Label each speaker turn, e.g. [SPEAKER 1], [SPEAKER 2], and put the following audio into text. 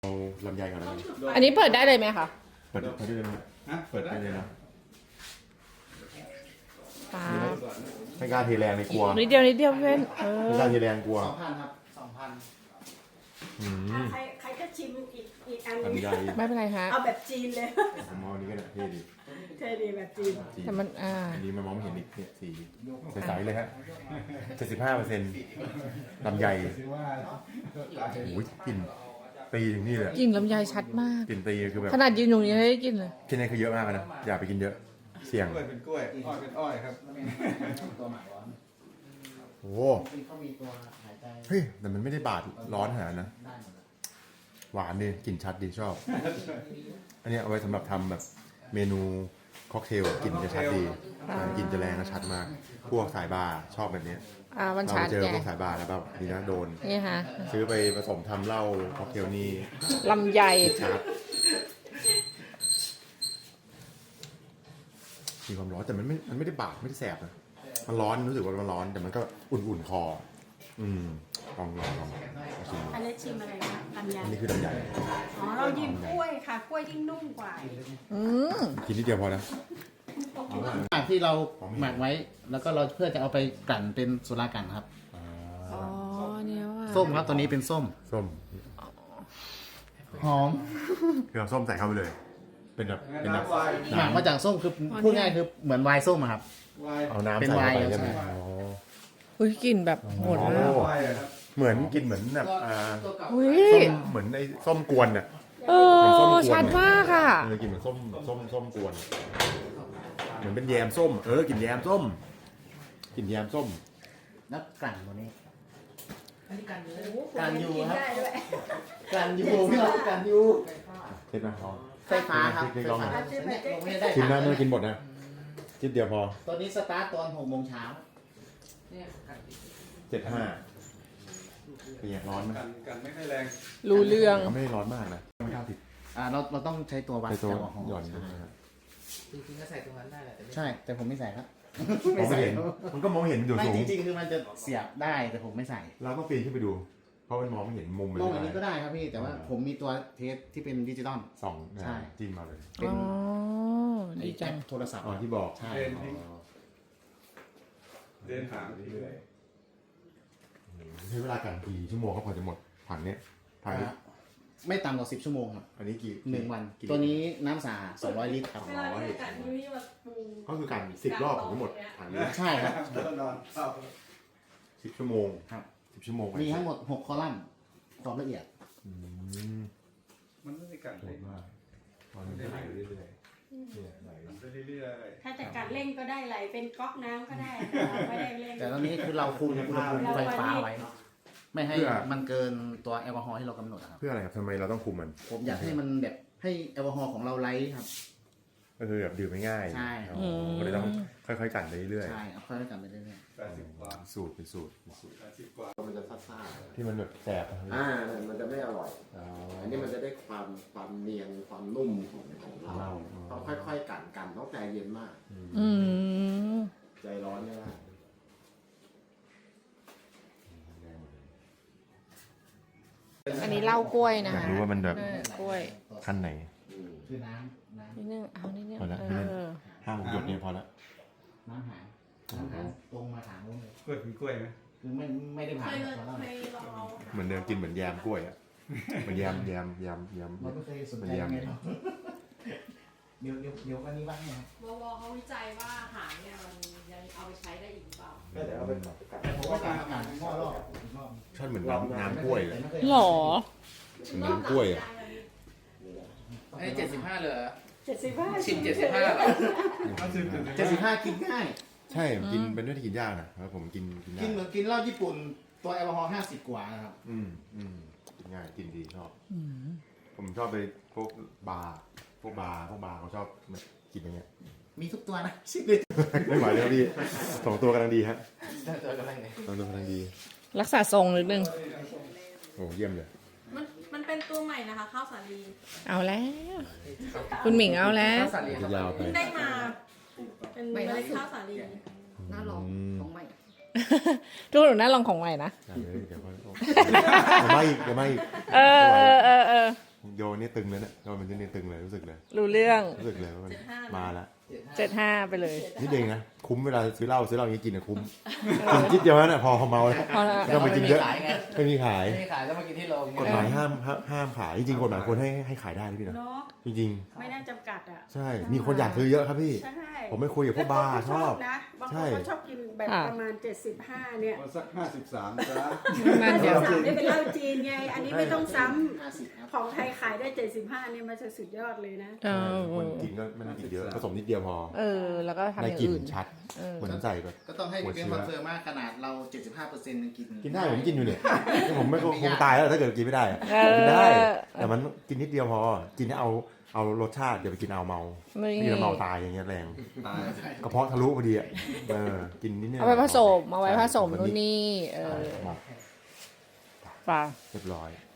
[SPEAKER 1] เอาลำไยก่อนแล้วกัน
[SPEAKER 2] อันนี้เปิดได้เลยไหมคะ
[SPEAKER 1] เปิดได้เลยนะเปิดได้เลยนะ
[SPEAKER 2] ปา
[SPEAKER 1] ไม่กล้าเทแรงเลยกลัว
[SPEAKER 2] นิดเดียวนิดเดียวเพื่อน
[SPEAKER 1] ไม่กล้าเทแรงกลัว
[SPEAKER 3] 2,000 ครับ 2,000
[SPEAKER 4] ใครก็ชิมอีกอันนึง
[SPEAKER 1] ลำไย
[SPEAKER 2] ไม่เป็นไรฮะ
[SPEAKER 4] เอาแบบจีนเลย
[SPEAKER 1] ผมเอาอันนี้ก็ได้เท่ดี
[SPEAKER 4] เท่ดีแบบจีน
[SPEAKER 2] แต่มัน
[SPEAKER 1] อันนี้มันมองไม่เห็นอีกเนี่ยสีใสๆเลยฮะ75%ลำไยโอ้ยกลิ่นตีถึงนี่เลย
[SPEAKER 2] กลิ่นลำไยชัดมาก
[SPEAKER 1] กลิ่นตีคือแบบ
[SPEAKER 2] ขนาดยืนอยู่ยังได้กลิ่นเลย
[SPEAKER 1] ที่นี่คือเยอะมากนะอย่าไปกินเยอะเสี่ยง
[SPEAKER 3] กล้วยเป็นกล้วย อ้อยเป็นอ้อยครับตัวหมักร้อน
[SPEAKER 1] โอ้
[SPEAKER 3] เขามีตัวหายใจ
[SPEAKER 1] เฮ้ยแต่มันไม่ได้บาดร้อนขนาดนั้นนะ
[SPEAKER 3] ได้หมดเลย
[SPEAKER 1] หวานดีกลิ่นชัดดีชอบ อันนี้เอาไว้สำหรับทำแบบเมนูค็อกเทลกลิ่นจะชัดดีกลิ่นจะแรงและชัดมาก พวกสายบาร์ชอบแบบนี้
[SPEAKER 2] มัน
[SPEAKER 1] เรา
[SPEAKER 2] ชัด
[SPEAKER 1] เจอ
[SPEAKER 2] แก
[SPEAKER 1] พวกสายบาร์แล้วแบบดีนะโดน
[SPEAKER 2] นี่ฮะ
[SPEAKER 1] ซื้อไปผสมทำเหล้าค็อกเทลนี่
[SPEAKER 2] ลำไย
[SPEAKER 1] ชาร์จมีความร้อนแต่มันไม่ได้บาดไม่ได้แสบนะมันร้อนรู้สึกว่ามันร้อนแต่มันก็อุ่นๆคอลองชิม
[SPEAKER 4] อันนี้ชิมอะไรนะลำไย
[SPEAKER 1] อันนี้คือลำไย
[SPEAKER 4] อ๋อเรายิมกล้วยค่ะ กล้วยยิ่งนุ่มกว่า
[SPEAKER 2] อืม
[SPEAKER 1] กินนิดเดียวพอนะ
[SPEAKER 3] ที่เราหมักไว้ แล้วก็เราเพื่อจะเอาไปกลั่นเป็นสุรากันครับ
[SPEAKER 2] อ๋อเนี่ยว่ะ
[SPEAKER 3] ส้มครับตัวนี้เป็นส้ม
[SPEAKER 1] ส้ม
[SPEAKER 3] หอม
[SPEAKER 1] คือเอาส้มใส่เข้าไปเลย เป็นแบบ
[SPEAKER 3] หมักมาจากส้มคือพูดง่ายคือเหมือนไวน์ส้มอะครับ
[SPEAKER 1] เอาน้ำ
[SPEAKER 3] เป็น
[SPEAKER 1] ใส่เข้าไป
[SPEAKER 3] ไวน์
[SPEAKER 1] ใช่ไหม
[SPEAKER 3] ใช่
[SPEAKER 1] อ๋อ
[SPEAKER 2] อุ้ยกลิ่นแบบโหดมาก
[SPEAKER 1] เหมือนกินเหมือนแบบ
[SPEAKER 2] อุ้ย
[SPEAKER 1] ส้มเหมือนไอ้ส้มกวนน่ะ
[SPEAKER 2] ชัดมากอ่ะ
[SPEAKER 1] กินเหมือนส้มกวน เหมือนเป็นแยมส้มกินแยมส้มกินแยมส้ม
[SPEAKER 3] แล้วกลั่นตัวนี้
[SPEAKER 4] กา
[SPEAKER 3] การ ร
[SPEAKER 4] ยู
[SPEAKER 3] ยูครับ
[SPEAKER 4] ได้ด้วย
[SPEAKER 3] กลั่นยูพี่เรากลั่นยู
[SPEAKER 1] เช็ดไหมพอ
[SPEAKER 3] ไฟฟ้าครับไฟฟ้า
[SPEAKER 4] ชิมไหม
[SPEAKER 3] เนี่ยลงไม่ได้
[SPEAKER 1] ชิมได้ไม่ต้องกินหมดนะจิบเดียวพอ
[SPEAKER 3] ตัวนี้สตาร์ทตอน6 โมงเช้า
[SPEAKER 1] 75เป็นไงร้อนไหม
[SPEAKER 5] กันไม่ค่อยแรง
[SPEAKER 2] รู้เรื่อง
[SPEAKER 1] ก็ไม่ได้ร้อนมากนะไม่กล้าติด
[SPEAKER 3] เราต้องใช้ตัววัด
[SPEAKER 1] ไปตัว
[SPEAKER 3] แอลกอฮอล์
[SPEAKER 1] หย่อน
[SPEAKER 3] ใช่
[SPEAKER 1] นะครับ
[SPEAKER 6] จริงๆก็ใส่ตรงนั้นได้แหละแต่ไม่
[SPEAKER 3] ใช่ แต่ผมไม่ใส่ครับ
[SPEAKER 1] มองไม่เห็นมันก็มองเห็นอยู่
[SPEAKER 3] ไม่
[SPEAKER 1] สูง
[SPEAKER 3] จริงๆคือมันจะเสียบได้แต่ผมไม่ใส่
[SPEAKER 1] เราต้องปีนขึ้นไปดู เพราะมันมองไม่เห็นมุมมัน
[SPEAKER 3] ลงอันนี้ก็ได้ครับพี่ แต่ว่าผมมีตัวเทสที่เป็นดิจิตอล
[SPEAKER 1] ส่อง
[SPEAKER 3] ใช่
[SPEAKER 1] จิ้มมาเลย
[SPEAKER 3] เป็น
[SPEAKER 2] อ๋อ
[SPEAKER 3] ไอ้
[SPEAKER 2] ดีจัง
[SPEAKER 3] โทรศัพท์
[SPEAKER 1] อ๋อที่บอก
[SPEAKER 3] ใช่
[SPEAKER 5] เดินหาง
[SPEAKER 1] ใช้เวลากันกี่ชั่วโมงก็พอจะหมดถังเนี้ยถังนี้
[SPEAKER 3] ไม่ต่ำกว่า10 ชั่วโมงครับ
[SPEAKER 1] อันนี้กี่
[SPEAKER 3] 1 วัน
[SPEAKER 1] กี่
[SPEAKER 3] ตัวนี้น้ำสะอาด200 ลิตรครับ
[SPEAKER 1] ก็คือกัน10 รอบถึงหมดถังนี้
[SPEAKER 3] ใช่ครับ
[SPEAKER 1] 10 ชั่วโมง
[SPEAKER 3] ครับ
[SPEAKER 1] 10 ชั่วโมง
[SPEAKER 3] มีทั้งหมด6 คอลัมน์ความละเอียด
[SPEAKER 5] มันไม่ได้กัน
[SPEAKER 1] โห
[SPEAKER 5] เล
[SPEAKER 1] ด
[SPEAKER 5] ย
[SPEAKER 1] มากตอนนี้ไหลเรื่อยๆเนี่ยไหล
[SPEAKER 5] ไปเรื่อย
[SPEAKER 4] ถ้าจะกัดเร่งก็ได้ไหลเป็นก๊อกน้ำก็ได้ไม่ได้เร่ง
[SPEAKER 3] แต่ตอนนี้คือเราคุมอุณหภูมิไฟฟ้าไว้ ไม่ให้มันเกินตัวแอลกอฮอล์ที่เรากำหนดครับ
[SPEAKER 1] เพื่ออะไรครับทำไมเราต้องคุมมัน
[SPEAKER 3] ผมอยากให้มันแบบให้แอลกอฮอล์ของเราไลท์ครับ
[SPEAKER 1] ก็คือแบบดื่มไม่ง่าย
[SPEAKER 3] ใช่
[SPEAKER 1] อ๋อก็เลยต้องค่อยๆกันไปเรื่อย
[SPEAKER 3] ใช่เอาค่อยๆกันไปเรื่อย
[SPEAKER 5] ๆ80 กว่า
[SPEAKER 1] ๆสูตรเป็นสูตร
[SPEAKER 5] 80 กว่า
[SPEAKER 7] มันจะซ่า
[SPEAKER 1] ที่มันแบบแสบอะ
[SPEAKER 7] มันจะไม่อร่อย
[SPEAKER 1] อ๋อ
[SPEAKER 7] อันนี้มันจะได้ความเนียนความนุ่มของเราต้องค่อยๆกันต้องใจเย็นมาก
[SPEAKER 2] อืม
[SPEAKER 7] ใจร้อนไม่ได้
[SPEAKER 2] อันนี้เหล้ากล้วยนะ
[SPEAKER 1] อยาก
[SPEAKER 2] คะ
[SPEAKER 1] รู้ว่ามันแบบ
[SPEAKER 2] กล้วย
[SPEAKER 1] ขั้นไหน
[SPEAKER 3] ๆคือน้ำ
[SPEAKER 2] นิดนึงเอานิดนึง
[SPEAKER 1] พอละ 5-6 หยดเนี่ยพอละ
[SPEAKER 3] น้ำหางตรงมาถามผมเลย
[SPEAKER 5] กล้วยเป็นกล้วยไหม
[SPEAKER 3] คือไม่ได้ผ่านมาแล้ว
[SPEAKER 1] เหมือนเดิมกินเหมือนแยมกล้วยอ่ะเหมือนแยม
[SPEAKER 3] เราไม่เคยสนใจไงหรอกเดี๋ยวอันนี้บ้างไงครับ
[SPEAKER 8] วเขาวิจัยว่าอาหารเนี่ยมันยังเอาไปใช้ได้อีกหรือเปล่า
[SPEAKER 7] ก็เดี๋ยวเอาไป
[SPEAKER 3] แต่ผมว่าการทำงานหม้อรอบอีกรอบ
[SPEAKER 1] ชอบเหมือนน้ำกล้วยเลย
[SPEAKER 2] หรอ
[SPEAKER 1] เหมือนน้ำกล้วยอ่ะ
[SPEAKER 6] ไอ้75เลยเหรอ
[SPEAKER 4] 75
[SPEAKER 6] ชิม75เหรอ
[SPEAKER 3] 75กินง่าย
[SPEAKER 1] ใช่กินเป็นเรื่องที่กินยากนะแล้วผมกินได้
[SPEAKER 3] กินเหมือนกินเหล้าญี่ปุ่นตัวแอลกอฮอล์50 กว่านะครับ
[SPEAKER 1] กินง่ายกินดีชอบผมชอบไปพวกบาร์เขาชอบกินอย่างเงี้ย
[SPEAKER 3] มีทุกตัวนะชิมเลย
[SPEAKER 1] ไม่ไหวแล้วพี่2 ตัวกำลังดีฮะ
[SPEAKER 6] ตัวกำลังไง
[SPEAKER 1] 2 ตัวกำลังดี
[SPEAKER 2] รักษาทรงนิดนึง
[SPEAKER 1] โอ้เยี่ยมเลย
[SPEAKER 8] มันเป็นตัวใหม่นะคะข้าวสาลี
[SPEAKER 2] เอาแล้ว คุณหมิงเอาแล้ว
[SPEAKER 6] ข้าวสาลี
[SPEAKER 1] จะยาวไป
[SPEAKER 8] ได้มาเป็นเมล็ดข้าวสาลี
[SPEAKER 6] น่าลองของใหม่
[SPEAKER 2] ทุกคนน่าลองของใหม่นะ
[SPEAKER 1] เดี๋ยวมาอีก
[SPEAKER 2] เออ
[SPEAKER 1] โยนนี่ตึงเลยเนี่ยโยนมันจะนี่ตึงเลยรู้สึกเลย
[SPEAKER 2] รู้เรื่อง
[SPEAKER 1] รู้สึกเลยว่ามันมาแล้ว
[SPEAKER 2] 75ไปเลย
[SPEAKER 1] นี่เองนะคุ้มเวลาซื้อเหล้าอย่างนี้กินอะคุ้มกินนิดเดียวนั่นแหละพอเมาแล้ว
[SPEAKER 2] พอแล้ว
[SPEAKER 1] ไม่ต้องไปกินเยอะ
[SPEAKER 6] ขายไง
[SPEAKER 1] ไม่มีขาย
[SPEAKER 6] ไม่ขายแล้วมากินที่โรง
[SPEAKER 1] กฎหมายห้ามขายจริงๆกฎหมายควรให้ขายได้นะพี่นะ
[SPEAKER 4] เนาะ
[SPEAKER 1] จริง
[SPEAKER 4] ไม่น่าจำกัดอ่ะ
[SPEAKER 1] ๆ ใช่มีคนอยากซื้อเยอะครับพี่
[SPEAKER 4] ใช่
[SPEAKER 1] ผมไม่คุยกับพวกบาร์ชอบ
[SPEAKER 4] นะบางค
[SPEAKER 1] ใช่
[SPEAKER 4] นก็ชอบกินแบบ
[SPEAKER 2] ค่ะ
[SPEAKER 4] ประมาณ 75 เนี่ย
[SPEAKER 5] เอาสัก53จ้า
[SPEAKER 2] มันเดี๋ยว
[SPEAKER 4] 53นี่เป็นเหล้าจีนไง อันนี้ไม่ต้องซ้
[SPEAKER 7] 50ครับ
[SPEAKER 4] ำของไทยขายได้ 75เนี่ยมันจะสุดยอดเลยนะ
[SPEAKER 2] เออ
[SPEAKER 1] คนกินก็ไม่ต้องกินเยอะผสมนิดเดียวพอ
[SPEAKER 2] แล้วก็ทำ
[SPEAKER 1] ได้
[SPEAKER 2] อย่าง
[SPEAKER 1] กลิ่น
[SPEAKER 2] อื่น
[SPEAKER 1] ชัด
[SPEAKER 2] เออ
[SPEAKER 1] เหมือนใส่แบบ
[SPEAKER 3] ก็ต้องให้พี่เบนซ์คอนเฟิร์มว่าขนาดเรา 75%ยังกิน
[SPEAKER 1] กินได้ผมกินอยู่เนี่ยผมไม่คงตายแล้วถ้าเกิดกินไม่ได้อะ
[SPEAKER 2] เออ
[SPEAKER 1] กินได้ แต่มันกินนิดเดียวพอ กินให้เอารสชาติอย่าไปกินเอาเมา
[SPEAKER 2] ไม่
[SPEAKER 1] กินแล้วเมาตายอย่างเงี้ยแรง
[SPEAKER 5] ตาย
[SPEAKER 1] กระเพาะทะลุพอดีอ่ะกินนิดเดียว
[SPEAKER 2] เอาไปผสมนู่นนี่
[SPEAKER 1] หมก
[SPEAKER 2] ป่ะ
[SPEAKER 1] เรียบร้อย